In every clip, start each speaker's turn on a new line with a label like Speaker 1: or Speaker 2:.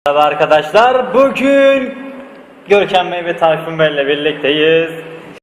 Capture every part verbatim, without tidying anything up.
Speaker 1: Merhaba arkadaşlar, bugün Görkem Bey ve Tayfun Bey ile birlikteyiz.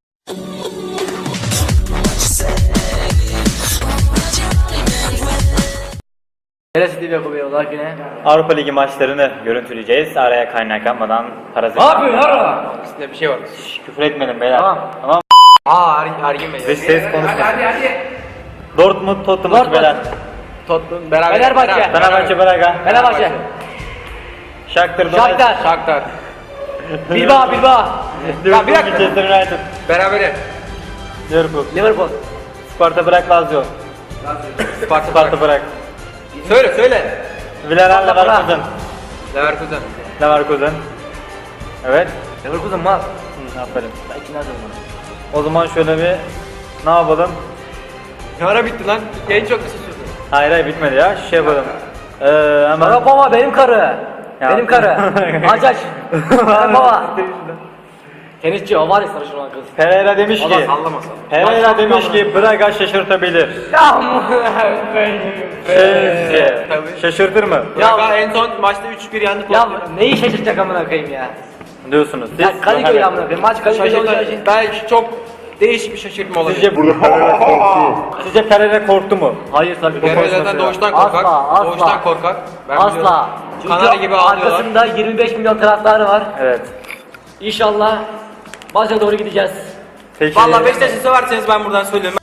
Speaker 2: Neresi T V yapıyor yine?
Speaker 1: Avrupa Ligi maçlarını görüntüleyeceğiz. Araya kaynak yapmadan parazit.
Speaker 2: Ne yapıyorsun lan?
Speaker 3: Üstünde bir şey var.
Speaker 1: Şş, küfür etmedim beyler.
Speaker 2: Tamam.
Speaker 1: Tamam.
Speaker 3: Aa Er- Ergin Bey.
Speaker 1: Dış ses konuşmasın.
Speaker 3: Hadi hadi.
Speaker 1: Dortmund, Tottenham
Speaker 2: Dortmund.
Speaker 1: beyler.
Speaker 3: Tottenham beraber.
Speaker 2: Fenerbahçe.
Speaker 3: beraber.
Speaker 1: Fenerbahçe, Braga.
Speaker 2: Fenerbahçe.
Speaker 1: Shakhtar Donetsk.
Speaker 2: Shakhtar.
Speaker 3: Shakhtar.
Speaker 2: Bilbao, Bilbao.
Speaker 1: Liverpool,
Speaker 3: bir dakika.
Speaker 1: Manchester United.
Speaker 3: Berabere.
Speaker 1: Liverpool.
Speaker 2: Liverpool.
Speaker 1: Sparta Prag, Lazio.
Speaker 3: Sparta.
Speaker 1: Sparta Prag.
Speaker 3: Söyle söyle.
Speaker 1: Villarreal,
Speaker 2: Sparta Prag.
Speaker 1: Leverkusen.
Speaker 3: Leverkusen.
Speaker 1: Leverkusen. Evet.
Speaker 2: Liverpool'un mal.
Speaker 1: Hı, aferin.
Speaker 2: Ben ikinden sonra.
Speaker 1: O zaman şöyle bir ne yapalım?
Speaker 3: Ne ara bitti lan? En çok bir şey sürdü.
Speaker 1: Hayır hayır bitmedi ya. Şey yapalım. Ee, hemen.
Speaker 2: Bana baba benim karı.
Speaker 1: Ya.
Speaker 2: Benim karı. Aç aç. Benim baba. Tenisçi o var ya sarışın olan kız.
Speaker 1: Pereira demiş
Speaker 3: Allah
Speaker 1: ki.
Speaker 3: sallamasın.
Speaker 1: Pereira demiş ki Braga şaşırtabilir. Sizce
Speaker 3: Tabii.
Speaker 1: şaşırtır mı?
Speaker 2: Ya-
Speaker 3: Braga en son maçta üç bir yendi.
Speaker 2: Ya neyi şaşırtacak amına koyayım ya?
Speaker 1: Diyorsunuz. Siz
Speaker 2: Ya Kadıköy amına koyayım. Maç Kadıköy'de olacağı için.
Speaker 3: Belki çok değişik bir şaşırtma olacak.
Speaker 1: Sizce Pereira korktu. Sizce Pereira korktu mu?
Speaker 2: Hayır tabii.
Speaker 3: Pereira zaten doğuştan korkak.
Speaker 2: Asla, asla.
Speaker 3: Doğuştan korkak. Ben
Speaker 2: Asla.
Speaker 3: biliyorum.
Speaker 2: Çünkü
Speaker 3: Kanarya gibi ağlıyorlar.
Speaker 2: arkasında yirmi beş milyon taraftarı var.
Speaker 1: Evet.
Speaker 2: İnşallah maça doğru gideceğiz.
Speaker 1: Peki.
Speaker 3: Valla Beşiktaş'ı severseniz ben buradan söylüyorum.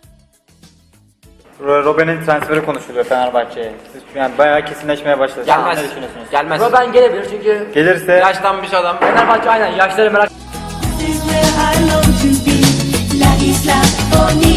Speaker 1: Robben'in transferi konuşuluyor Fenerbahçe'ye. Siz yani bayağı kesinleşmeye başladı.
Speaker 3: Gelmez.
Speaker 1: Ne düşünüyorsunuz?
Speaker 3: Gelmez.
Speaker 2: Robben gelebilir çünkü
Speaker 1: Gelirse
Speaker 3: Yaşlanmış adam.
Speaker 2: Fenerbahçe aynen yaşları merak.
Speaker 4: This is where I long to be, La Isla Bonita.